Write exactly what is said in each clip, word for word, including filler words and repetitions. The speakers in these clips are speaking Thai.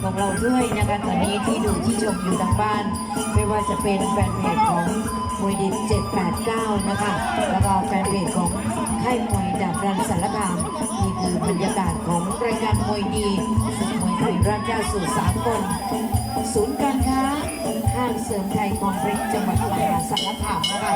ของเราด้วยนะคะตอนนี้ที่ดูที่ชมอยู่ทางบ้านไม่ว่าจะเป็นแฟนเพจของมวยดิบเจ็ดแปดเก้านะคะแล้วก็แฟนเพจของค่ายมวยดาบรันสารคามนี่คือบรรยากาศของรายการมวยดีศึกมวยไทยรัฐย่าสู่สากลศูนย์การค้าห้างเสริมไทยคอมเพล็กซ์จังหวัดมหาสารคามนะคะ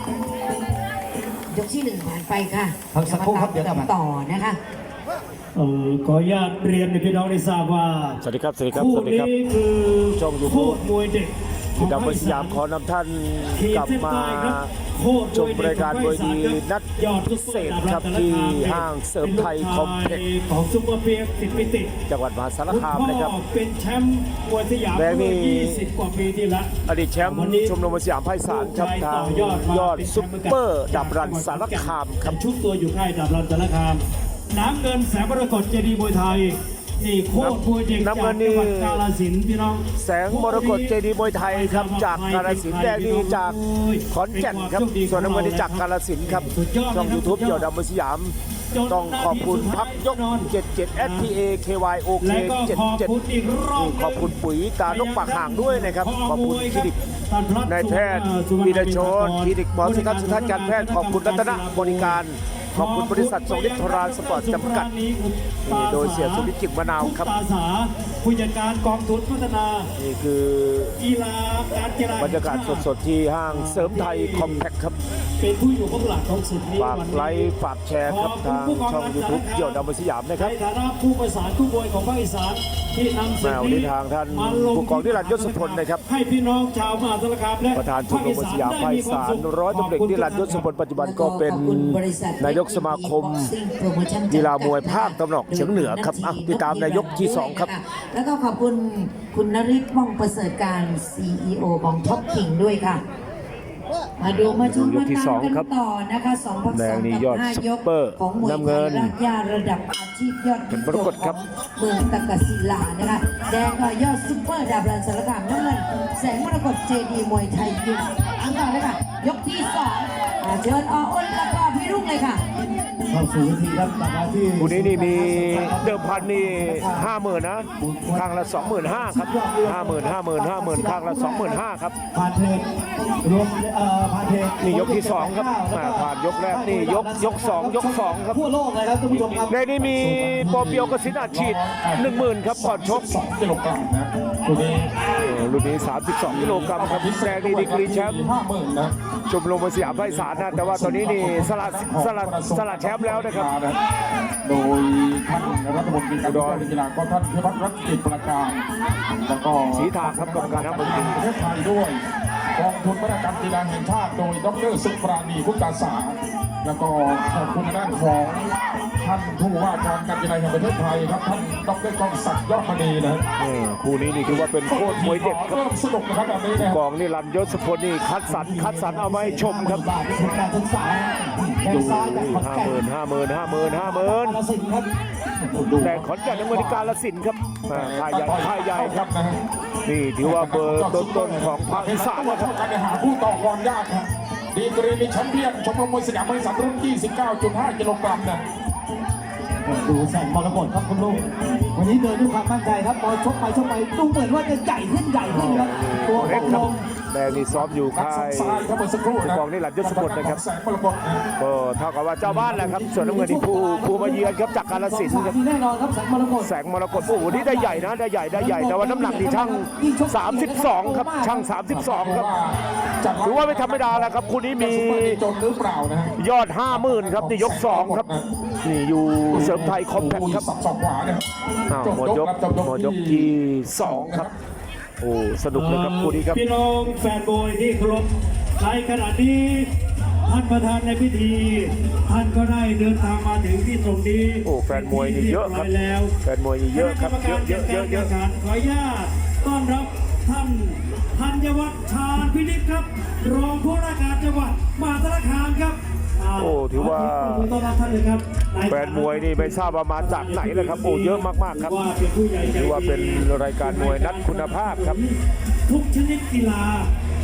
ยกที่หนึ่งผ่านไปค่ะพักสักครู่ครับเดี๋ยวกลับต่อนะคะเออขออนุญาตเรียนให้พี่น้องได้ทราบว่าสวัสดีครับสวัสดีครับคู่สวัสดีครับนี้คือช่องยูทูบมวยเด็กที่ดาวสยามขอนำท่านกลับมาชมรายการมวยดีนัดพิเศษครับที่ห้างเสริมไทยคอมเพล็กซ์ของซุปเปอร์เปียกสิทธิปิติจังหวัดมหาสารคามนะครับเป็นแชมป์มวยสยามเมื่อยี่สิบกว่าปีที่แล้วอดีตแชมป์ชมรมสยามไพศาลครับทางยอดซุปเปอร์ดับรันสารคามครับชุดตัวอยู่ค่ายดับรันสารคามน้ำเงินแสงมรกตเจดีย์มวยไทยนี่โคตรมวยเด็กจากจังหวัดกาฬสินธุ์พี่น้องแสงมรกตเจดีย์มวยไทยครับจากกาฬสินธุ์แดงนี่จากขอนแก่นครับส่วนน้ำเงินนี่จากกาฬสินธุ์ครับช่องยูทูบเกี่ยวดับสยามต้องขอบคุณพักยกเจ็ดเจ็ด เอส ที เอ เค วาย โอ เค เจ็ดเจ็ดขอบคุณปุ๋ยตานกปากห่างด้วยนะครับขอบคุณคลินิกนายแพทย์วีรชนคลินิกหมอสุทัศน์สุทัศน์การแพทย์ขอบคุณรัตนบริการขอบคุณบริษัททรงฤทธิ์ทรานสปอร์ตจำกัดโดยเสียสุวิทย์จิ๋มมะนาวครับผู้จัดการกองทุนพัฒนานี่คือกีฬาการกีฬาบรรยากาศสดๆที่ห้างเสริมไทยคอมแพคครับเป็นผู้อยู่เบื้องหลังของสุดนี้ฝากไลค์ฝากแชร์ครับทางช่องยูทูบเกี่ยวดับสยามนะครับในฐานะผู้ประสานผู้มวยของภาคอีสานที่นำสิ่งนี้ทางท่านผู้กองนิรันดร์ยศพลนะครับให้พี่น้องชาวมหาสารคามและประธานชมรมสยามไพศาลร้อยตำแหน่งนิรันดร์ยศพลปัจจุบันก็เป็นนายกสมาคมกีฬามวยภาคตะวันออกเฉียงเหนือครับติดตามนายกที่สองครับแล้วก็ขอบคุณคุณนฤทธิ์ม่องประเสริฐการ ซี อี โอ ของท็อปคิงด้วยค่ะมาดูมาชมมาตามกันต่อนะคะสองพักสองกับห้ายกของมวยไทยรัฐยาระดับอาชีพยอดเป็นปรากฏครับเมืองตะกศิลานะคะแดงก็ยอดซุปเปอร์ดาบรันสารคามน้ำเงินแสงมรกตเจดีมวยไทยยิมอังต่อเลยค่ะยกที่สองเชิญออ้นแล้วก็พี่รุ่งเลยค่ะเข้าสู่วิธีครับจากที่คู่นี้นี่มีเดิมพันนี่ห้าหมื่นนะข้างละสองหมื่นห้าครับห้าหมื่นห้าหมื่นห้าหมื่นข้างละสองหมื่นห้าครับผ่านเทรรวมเอ่อผ่านเทรนี่ยกที่สองครับผ่านยกแรกนี่ยกยกสองยกสองครับทั่วโลกเลยครับท่านผู้ชมครับในนี้มีปอเปียวกสินอัดฉีดหนึ่งหมื่นครับก่อนชกสองกิโลกรัมนะรุ่นนี้รุ่นนี้สามสิบสองกิโลกรัมครับแดงนี่ดีกรีแชมป์ห้าหมื่นนะชมรมสยามไพศาลนะแต่ว่าตอนนี้นี่สลัดสลัดสลัดแชมป์แล้วนะครับโดยท่านรัฐมนตรีการกีฬาก็ท่านพิพัฒน์รัตน์กิจประการแล้วก็สีทางครับกรรมการทั้งหมดประเทศไทยด้วยกองทุนพัฒนาการกีฬาแห่งชาติโดยดร.สุปราณีพุทธาสาแล้วก็ขอบคุณด้านของท่านผู้ว่าการการกีฬาแห่งประเทศไทยครับท่านดร.กองศักดิ์ยอดมณีนะคู่นี้นี่ถือว่าเป็นโคตรมวยเด็ดครับเริ่มสนุกนะครับแบบนี้นะกองนิรันดร์ยศพลนี่คัดสรรคัดสรรเอาไว้ชมครับการศึกษาดูห้าหมื่นห้าหมื่นห้าหมื่นห้าหมื่นแต่ขอนแก่นในเมืองกาฬสินธุ์ครับค่ายใหญ่ค่ายใหญ่ครับนี่ถือว่าเบอร์ต้นๆของภาคอีสานนะครับการหาผู้ต่อกรยากครับดีกรีมีแชมเปี้ยนชมรมมวยสยามไพศาลรุ่น ยี่สิบเก้าจุดห้า กิโลกรัมนะดูแสงมรกตครับคุณลุงวันนี้เดินด้วยความมั่นใจครับพอชกไปชกไปดูเหมือนว่าจะใหญ่ขึ้นใหญ่ขึ้นครับตัวเล็กลงแดงนี่ซ้อมอยู่ค่ายกองนี่หลัดยศพลนะครับก็เท่ากับว่าเจ้าบ้านแหละครับส่วนน้ำเงินที่ผู้ผู้มาเยือนครับจากกาฬสินธุ์ครับแน่นอนครับแสงมรกตแสงมรกตโอ้โหนี่ได้ใหญ่นะได้ใหญ่ได้ใหญ่แต่ว่าน้ำหนักนี่ช่างสามสิบสองครับช่างสามสิบสองครับถือว่าไม่ธรรมดาแล้วครับคู่นี้มียอดห้าหมื่นครับนี่ยกสองครับนี่อยู่เสริมไทยคอมแพคครับหมดยกหมดยกที่สองครับโอ้สนุกเลยครับคู่นี้ครับพี่น้องแฟนบอยที่เคารพในขณะนี้ท่านประธานในพิธีท่านก็ได้เดินทางมาถึงที่ตรงนี้โอ้แฟนมวยนี่เยอะครับแฟนมวยนี่เยอะครับเยอะเยอะเยอะเยอะขออนุญาตต้อนรับท่านธัญวัฒน์ชาญพินิจครับรองผู้ว่าการจังหวัดมหาสารคามครับโอ้ถือว่าแฟนมวยนี่ไม่ทราบว่ามาจากไหนเลยครับโอ้เยอะมากๆครับถือว่าเป็นรายการมวยนัดคุณภาพครับทุกชนิดกีฬาวัน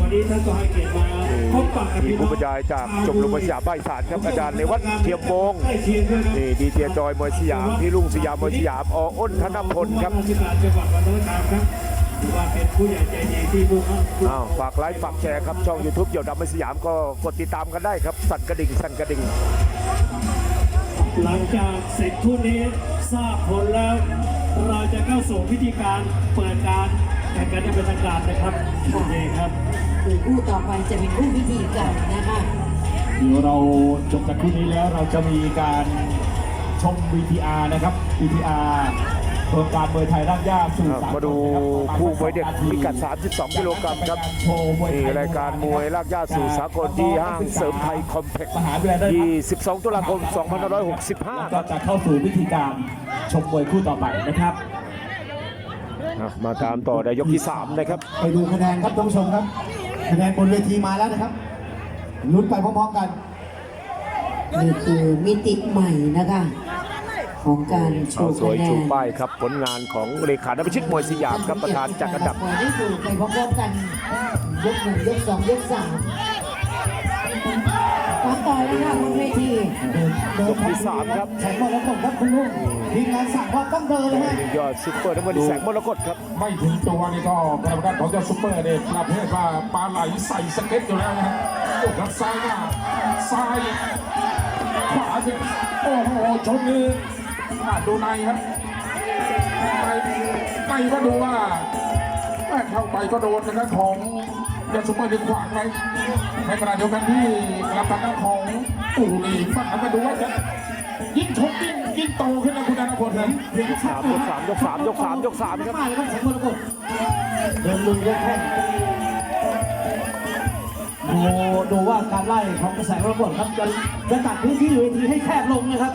วันนี้ท่านก็ให้เกียรติมาพบปะกับมีพี่น้ผู้องบรรยายจากชมรมมวยสยามภาคอีสานครับอาจารย์ในวัดเทียมวงศ์ใกล้เคียงด้วยครับนี่ดีเจจอยมวยสยามพี่ลุงสยามมวยสยามออ้นธนพลครับราชการจังหวัดวันโนธามครับถือว่าเป็นผู้ใหญ่ใจดีที่ผู้เข้าอ้าวฝากไลค์ฝากแชร์ครับช่อง YouTube เดี่ยวดำมวยสยามก็กดติดตามกันได้ครับสั่นกระดิ่งสั่นกระดิ่งหลังจากเสร็จทุนนี้ทราบผลแล้ว เราจะเข้าสู่พิธีการเปิดการแข่งขันอย่างเป็นทางการนะครับโอเคครับคือคู่ต่อไปจะเป็นคู่พิธีกันนะคะเดี๋ยวเราจบจากคู่นี้แล้วเราจะมีการชม วี ที อาร์ นะครับ วี ที อาร์ โครงการมวยไทยร่างย่าสู่สากลมาดูคู่มวยเด็กพิกัดสามสิบสองกิโลกรัมครับนี่รายการมวยลากย่าสู่สากลที่ห้างเสริมไทยคอมเพล็กซ์มหาวิทยาลัยยี่สิบสองตุลาคมสองพันห้าร้อยหกสิบห้าก็จะเข้าสู่พิธีการชมมวยคู่ต่อไปนะครับอ่ะมาตามต่อในยกที่สามนะครับไปดูคะแนนครับท่านผู้ชมครับคะแนนบนเวทีมาแล้วนะครับลุ้นไปพร้อมๆกันนี่คือมิติใหม่นะคะของการโชเอาว์สวคะยแนชูนป้ายครับผลงานของเลขาธิบชิตมวยสยามครับประธานจัดอันดับปล่อยได้ดูไปพร้อมๆกันยกหนึ่งยกสองยกสามตามต่อเลยค่ะบนเวทียกที่สามครับแสงมรกตครับคุณลุงทีมงานสั่งว่าต้องเดินเลยฮะยอดซุปเปอร์น้ำเงินแสงมรกตครับไม่ถึงตัวนี่ก็กรรมการของเจ้าซุปเปอร์เนี่ยประเภทว่าปลาไหลใส่สเก็ตอยู่แล้วนะฮะโอ้ครับซ้ายหน้าซ้ายขวาสิโอ้โหชนนี่อ่ะดูในครับในในก็ดูว่าแม่เข้าไปก็โดนนะครับของเจ้าซุปเปอร์ดึงขวางไว้ในขณะเดียวกันที่รับทางด้านของปู่นี่ฝั่งนั้นก็ดูว่าจะยิ่งชกยิ่งยิ่งโตขึ้นนะคุณธนพลนะเสียงสามยกสามยกสามยกสามยกสามครับมาเลยครับแสงมรกตเดินลุยยกแข้งดูดูว่าการไล่ของแสงมรกตครับจะจะตัดพื้นที่เวทีให้แคบลงนะครับ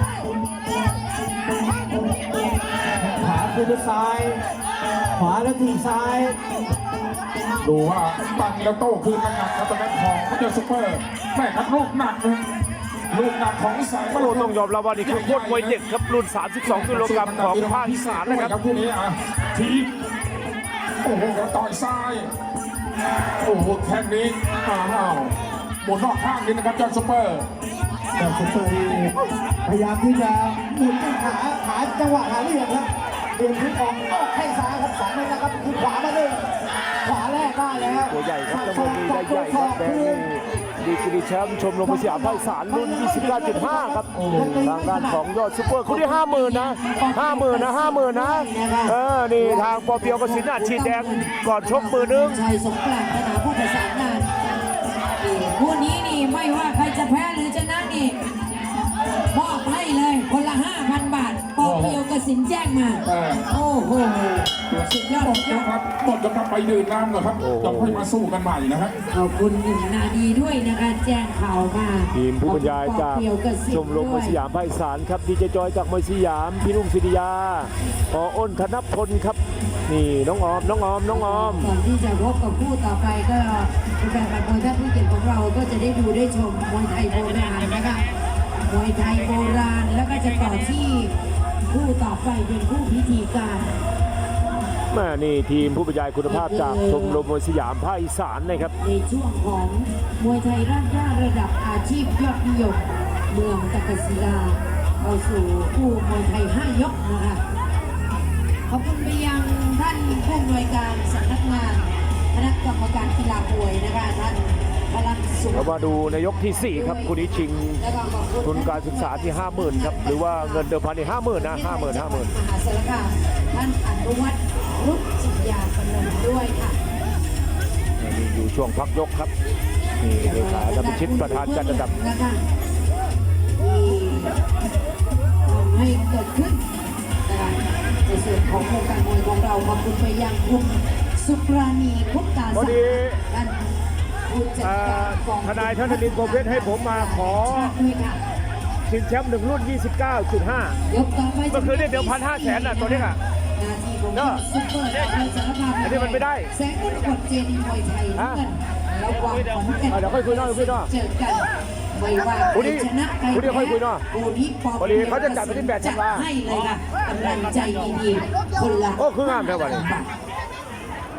ขวาคือด้วยซ้าย ขวาแล้วทีซ้ายดูว่าปังแล้วโต้คืนหนักๆครับตอนนั้นของเขาเจอซุปเปอร์แม่ครับลูกหนักนะลูกหนักของแสงมรโอ้กตต้องยอมรับว่านี่คือโคตรมวยเด็กครับรุ่นสามสิบสองกิโลกรัมของภาคอีสานนะครับคู่นี้อ่ะทีบโอ้โหต่อยซ้าย โอ้โหแข้งนี้อ้าวหมุนนอกข้างนี้นะครับเจ้าซุปเปอร์แต่ซุปเปอร์นี่พยายามที่จะหมุนขาขาจังหวะหาเหลี่ยมครับเปลี่ยนทิศออกออกแข้งซ้ายครับสองเมตรนะครับคือขวามาเลยขวาแรกได้แล้วตัวใหญ่ครับจังหวะนี้ได้ใหญ่ครับแดงนี่ดีกรีแชมป์ชมรมมวยสยามภาคอีสานรุ่น ยี่สิบเก้าจุดห้า ครับทางด้านของยอดซุปเปอร์คู่ที่ห้าหมื่นนะห้าหมื่นนะห้าหมื่นนะเออนี่ทางปอเปียวกสินอาชีดแดงก่อนชกมือนึงชัยสงกรานต์สนามผู้ประสานงานนี่คู่นี้นี่ไม่ว่าใครจะแพ้หรือชนะนี่มอบให้เลยคนละห้าพันบาทปอเปียวกสินแจ้งมา โอ้โหสุดยอดหมดสุดยแล้อวดครับหมดแล้วครับไปดื่มน้ำก่อนครับจะค่อยมาสู้กันใหม่นะครับขอบคุณหนึ่งนาดีด้วยนะคะแจ้งข่าวมาทีมผู้บรรยายจากปอเปียวกสินชมรมมวยสยามภาคอีสานครับดีเจจอยจากมวยสยามพี่ลุงศิริยาปออ้นธนพลครับนี่น้องออมน้องออมน้องออมก่อนที่จะพบกับคู่ต่อไปก็เป็นการบันเทิงท่านผู้เกียรติของเราก็จะได้ดูได้ชมมวยไทยโบราณนะคะมวยไทยโบราณแล้วก็จะต่อที่คู่ต่อไปเป็นคู่พิธีการแม่นี่ทีมผู้บรรยายคุณภาพจากชมรมมวยสยามภาคอีสานนะครับในช่วงของมวยไทยร่างย่าระดับอาชีพยอดนิยมเมืองตะกศิลาเข้าสู่คู่มวยไทยห้ายกนะคะขอบคุณไปยังท่านผู้อำนวยการสำนักงานคณะกรรมการกีฬามวยนะคะท่านพลังสุขเรามาดูในยกที่สี่ครับคู่นี้ชิงแล้วก็ขอบคุณทุนการศึกษาที่ห้าหมื่นครับหรือว่าเงินเดิมพันที่ห้าหมื่นนะห้าหมื่นห้าหมื่นมหาสารคามท่านอนุวัฒน์รุจจิยาพนมด้วยค่ะนี่อยู่ช่วงพักยกครับนี่เลขาธิบชิตประธานจัดอันดับนะคะที่ทำให้เกิดขึ้นนะคะในส่วนของโครงการมวยของเราขอบคุณไปยังคุณสุปราณีพุทธาพอศักดีดิ์ท่านผู้จัดเอ่อการกองทนายท่านธนินทร์โกเพชรให้ผมมาขอด้วยค่ะชิงแชมป์หนึ่งรุ่น ยี่สิบเก้าจุดห้ายกต่อไปเมื่อคืนนี่เดี๋ยวพันห้าแสนน่ะตัวนี้อ่ะหนาทีของคุณซุปเปอร์อาชีพสารคามอันนี้มันไม่ได้แสงมรกตเจดีย์มวยไทยฮะเงินระหว่างของแก่นอ่ะเดี๋ยวค่อยคุยหน่อยคุยหน่อยเจอกันไม่ว่าคู่นี้ใครชนะใครคู่นี้แพ้ค่อยคุยหน่อยคู่นี้ปอพอดีเขาจะจัดไปที่แปดธันวาให้เลยค่ะกำลังใจดีๆคนละโอ้คืองามแท้ว่ะนี่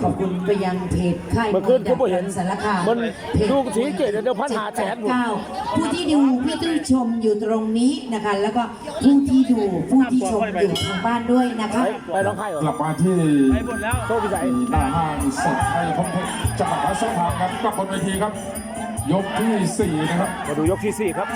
ขอบคุณไปยังเพจค่ายเมื่อคืนผมเห็นสารคามมันเพจดูสีเกตเดี๋ยวพันหาแสนเก้าผู้ที่ดูผู้ที่ชมอยู่ตรงนี้นะคะ แล้วก็ผู้ที่ดูผู้ที่ชมอยู่ทางบ้านด้วยนะคะไปร้องไห้เหรกลัอบมาที่โชคพิสัยหน้าห้างสดไทยคอมเพล็กซ์จังหวัดมหาสารคามครับกลับบนเวทีครับ ยกที่สี่นะครับมาดูยกที่สี่ครับ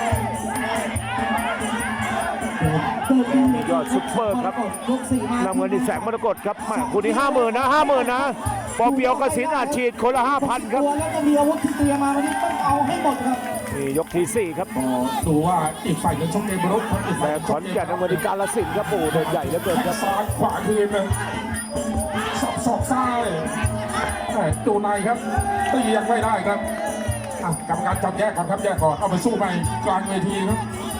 ยอดซุปเปอร์ครับยกสี่มานำเงินที่แสงมรกตครับแม่คุณนี่ห้าหมื่นนะห้าหมื่นนะปอเปียวกสินอาชีดคนละห้าพันครับตัวแล้วก็มีอาวุธที่เตรียมมาวันนี้ต้องเอาให้หมดครับนี่ยกที่สี่ครับก็ดูว่าอีกฝ่ายจะชกเกมรุกครับอีกแต่ฝ่ายขอนแก่นนำเงินที่กาลสินธุ์ครับโอ้โหเดินใหญ่เหลือเกินแข้ครังบซ้ายขวาคืนเลยสอบสอบซ้ายแม่ดูในครับตียังไม่ได้ครับอ่ะกรรมการจับแยกก่อนครับแยกก่อนเอาไปสู้ไปกลางเวทีครับ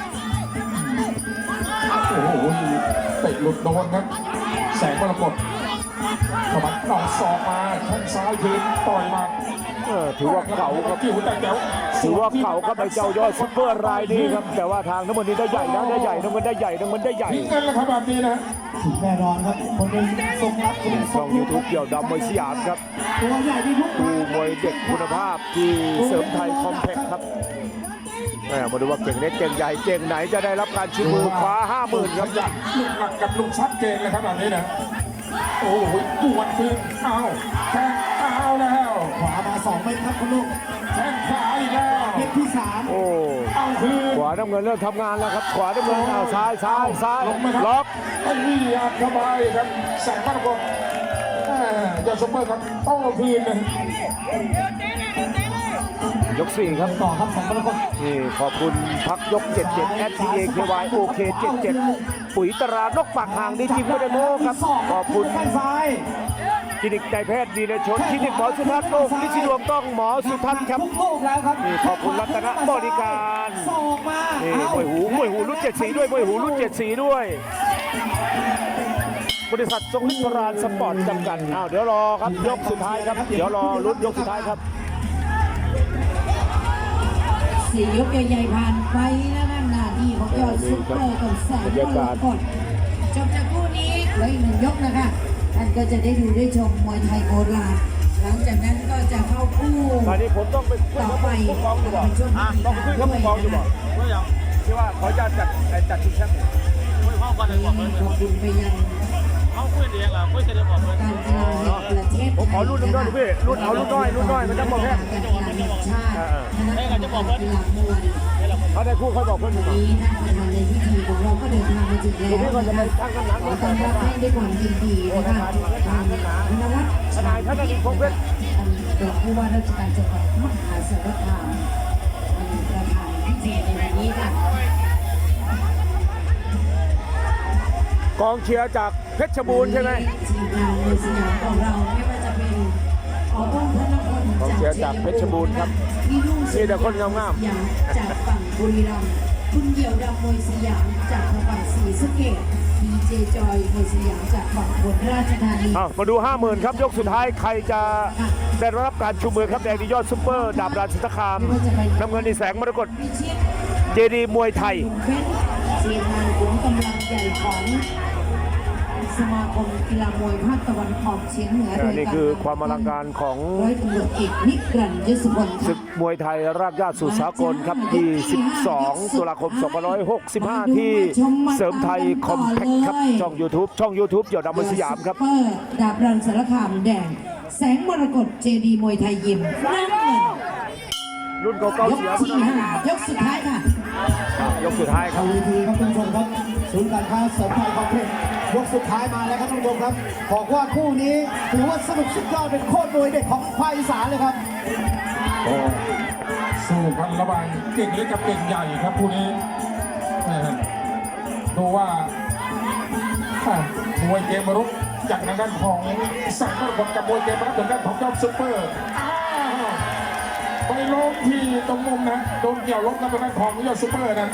โอ้โหเตะหลุดโดนครับ แสงมรกตสะบัดหนอกศอกมาแข้งซ้ายคืนต่อยมาเออถือว่าเก่าครับกิ้วแต่แจ๋วถือว่าเก่าครับไอ้เจ้ายอดซุปเปอร์รายนี้ครับแต่ว่าทางน้ำมันนี้ได้ใหญ่นะได้ใหญ่น้ำมันได้ใหญ่น้ำมันได้ใหญ่ทิ้งเงินแล้วครับแบบนี้นะแน่นอนครับคนหนึ่งทรงรับคนหนึ่งทช่รองงยูทูบเกี่ยวดำมวยสยามครับตัวใหญ่ที่ทุกดูมวยเด็กคุณภาพที่เสริมไทยคอมเพล็กซ์ครับแหม่มาดูว่าเก่งเล็กเก่งใหญ่เก่งไหนจะได้รับการชิงมือคว้าห้าหมื่นครับอยากลูกหลักกับลูกชัดเจนเลยครับแบบนี้นะโอ้โหปวดคืนเอาแข้งเอาแล้วขวามาสองเมตรครับคุณลูกแข้งขวาอีกแล้วเมตรที่สามโอ้เอาคืนขวาน้ำเงินเริ่มทำงานแล้วครับขวาน้ำเงินเอาซ้ายซ้ายซ้ายลงไหมครับล็อกไอ้นี่อัดเข้าไปครับแสงมรกตแม่ยอดซุปเปอร์ครับโต้คืนเลยยกสี่ครับต่อครับสองมรกตนี่ขอบคุณพักยกเจ็ดเจ็ด แอท ที เอ เค วาย โอ เค เจ็ดเจ็ด ปุ๋ยตรานกปากห่างดีจริงไม่ได้โม้ครับขอบคุณแข้งซ้ายคลินิกนายแพทย์วีรชนคลินิกหมอสุทัศน์โลกนิชิดวงต้องหมอสุทัศน์ครับทุกลูกแล้วครับนี่ขอบคุณรัตนบริการศอกมานี่เอ้ามวยหูมวยหูรุ่นเจ็ดสีด้วยมวยหูรุ่นเจ็ดสีด้วย บริษัททรงฤทธิ์โบราณสปอร์ตจำกัดอ้าวเดี๋ยวรอครับยกสุดท้ายครับเดี๋ยวรอลุ้นยกสุดท้ายครับสี่ยกใหญ่ๆผ่านไปแล้วนั่นหน้าที่ของยอดซุปเปอร์กับแสงมรกตจบจากคู่นี้เหลืออีกหนึ่งยกนะคะท่านก็จะได้ดูได้ชมมวยไทยโบราณหลังจากนั้นก็จะเข้าคู่ตอนนี้ผมต้องไปคุยต่อกับไปผู้กองอยู่บ่เป็นช่วงพิธีต้องไปคุยกับผู้กองอยู่บ่การว่าอย่างที่ว่าเขาจะจัดจัดชิงแชมป์ขอบคุณไปยังเขาคุยเองเหรอคุยกันเองบอกเลยการกีฬาแห่งประเทศผมขอรุ่นหนึงด้วยพี่รุ่นเอารุ่นน้อยรุ่นน้อยมันจะบอกแค่การกีฬาแห่งชาติคณะกรรมการกีฬามวยเขาได้คู่เขาบอกเพื่อนผมวันนี้ท่านประธานในพิธีของเราก็เดินทางมาถึงแล้วพี่ก็จะไปนะคะตั้งคำถามขอต้อนรับให้ด้วยความยินดีนะคะทางนวัฒน์ทนายท่านอดีตพงษ์เพชรท่านรองผู้ว่าราชการจังหวัดมหาสารคามเป็นประธานพิธีในวันนี้ค่ะกองเชียร์จากเพชรบูรณ์ใช่ไหมทีมงานในสยามของเราไม่ว่าจะเป็นออต้นธนพลกองเชียร์จากเพชรบูรณ์ครับพี่รุ่งมีแต่คนงามๆสยามจากฝั่งบุรีรัมย์คุณเหี่ยวดำมวยสยามจากทางฝั่งศรีสะเกษดีเจจอยมวยสยามจากฝั่งอุบลราชธานีอ้าวมาดูห้าหมื่นครับยกสุดท้ายใครจะได้รับการชูมือครับแดงดียอดซุปเปอร์ดาบราชสตคามน้ำเงินในแสงมรกตพิชิตเจดีมวยไทยลุงเบ้นทีมงานขุนกำลังใหญ่ของสมาคมกีฬามวยภาคตะวันออกเฉียงเหนือโดยนี่คือความอลังการของร้อยตำรวจเอกนิรันดร์ยศพลศึกมวยไทยรากหญ้าสู่สากลครับยี่สิบสองตุลาคมสองพันห้าร้อยหกสิบห้าที่เสริมไทยคอมแพคครับช่อง YouTube ช่อง YouTube เกี่ยวดำมวยสยามครับซุปเปอร์ดาบรันสารคามแดง แสงมรกตเจดีมวยไทยยิมน้ำเงินรุ่นเก่าๆยกเสียที่ห้ายกสุดท้ายค่ะยกสุดท้ายคเอารับวีทีครับท่านผู้ชมครับศูนย์การค้าเสริมไทยคอมเพล็กซ์ยกสุดท้ายมาแล้วครับท่านผู้ชมครับบอกว่าคู่นี้ถือว่าสนุกสุดยอดเป็นโคตรมวยเด็กของภาคอีสานเลยครับโอ้สู้กันระหว่างเก่งเล็กกับเก่งใหญ่ครับคู่นี้แม่ดูว่าอ่ะมวยเกมรุกจากทางด้านของสังมรกตกับมวยเกมรับจากด้านของยอดซุปเปอร์อ้าวไปล้มที่ตรงมุมนะโดนเกี่ยวล้มกับทางด้านของยอดซุปเปอร์นะ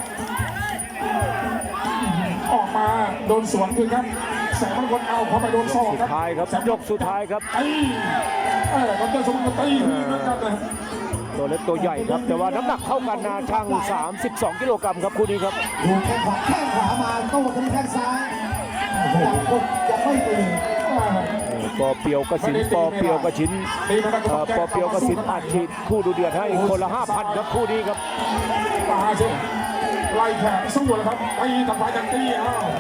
ออกมาโดนสวนคือครับแสงมรกตเอาเข้าไปโดนศอกสุดครับท้ายครับยกสุดท้ายครับตีเออครับยอดซุปเปอร์ตีเหมือนกันนะตัวเล็กตัวใหญ่ครับ แต่ว่าน้ำหนักเท่ากันนะช่างสามสิบสองกิโลกรัมครับคู่นี้ครับดูแข้งขวาแข้งขวามาโต้กันที่แข้งซ้ายยังกดยังไม่ตื่นโอ้โหปอเปียวกสินปอเปียวกสินตีไม่ได้ก็เอ่ต้อองแจ้ปอง เปียวกสินอัดฉีดคู่ดูเดือดให้คนละห้าพันครับคู่นี้ครับมาสิไล่แขกสู้เลยครับตีต่างฝ่ายต่างตีอ้าว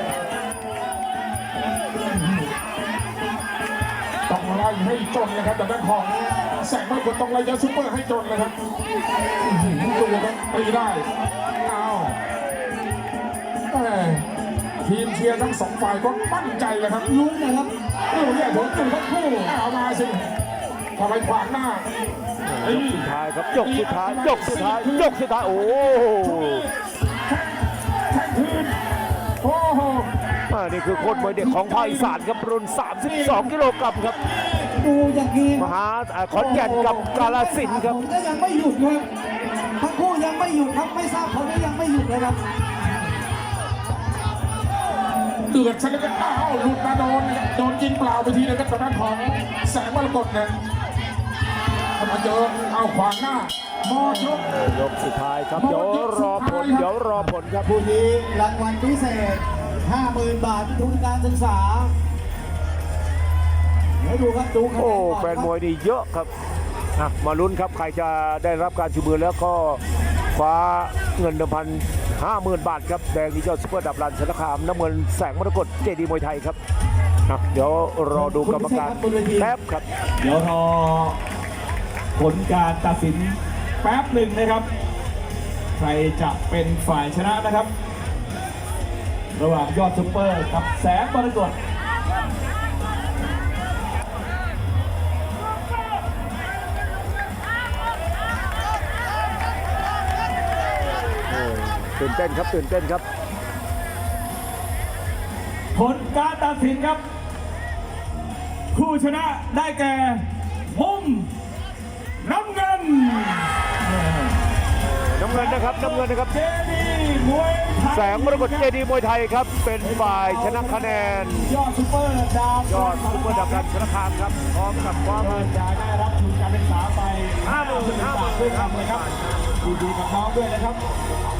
ต้องไล่ให้จนนะครับแต่ด้านของแสงมรกตต้องไล่ยาซุปเปอร์ให้จนนะครับดูครับตีได้อ้าวแหม่ทีมเชียร์ทั้งสองฝ่ายก็มั่นใจเลยครับลุ้นนะครับโอ้โหเนี่ยผมจุดทั้งคู่เอามาสิทำไมขวางหน้าไอ้ยกสุดท้ายครับยกสุดท้ายยกสุดท้ายยกสุดท้ายโอ้โหแข่งคืนโอ้โหอ่านี่คือโคตรมวยเด็กของภาคอีสานครับรุ่นสามสิบสองกิโลกรัมครับดูอย่างนี้มหาอ่าขอนแก่นกับกาฬสินธุ์ครับผมก็ยังไม่หยุดครับทั้งคู่ยังไม่หยุดครับไม่ทราบผลก็ยังไม่หยุดเลยครับเดือดซะแล้วก็อ้าวหลุดมาโดนโดนยิงเปล่าไปทีนึงครับทางด้านของแสงมรกตเนี่ยมาเจอเอาขวางหน้ามอชกยกสุดท้ายครับเดี๋ยวรอผลเดี๋ยวรอผลครับคู่นี้รางวัลพิเศษ ห้าหมื่น บาททุนการศึกษา เดี๋ยวดูครับดูคะแนโอ้นก่อนแฟนครับมวยนี่เยอะครับอ่ะมาลุ้นครับใครจะได้รับการชูมือแล้วก็คว้าเงินเดิมพันห้าหมื่นบาทครับแดงนี่เจ้าซุปเปอร์ดับรันสารคามน้ำเงินแสงมรกตเจดีมวยไทยครับอ่ะเดี๋ยวรอดูกรรมการแป๊บครับเดี๋ยวรอผลการตัดสินแป๊บหนึ่งนะครับ ใครจะเป็นฝ่ายชนะนะครับ ระหว่างยอดซุปเปอร์กับแสงมรกตตื่นเต้นครับตื่นเต้นครับผลการตัดสินครับ ผู้ชนะได้แก่มุมน้ำเงินน้ำเงินนะครับน้ำเงินนะครับเจดีมวยไทยแสงมรกตเจดีมวยไทยครับเป็นฝ่ายชนะคะแนนยอดซุปเปอร์ดาวยอดซุปเปอร์ดับรันสารคามครับพร้อมกับความก็จะได้รับทุนการศึกษาไปห้าหมื่นห้าหมื่นด้วยครับเลยครับดีๆกับน้องด้วยนะครับ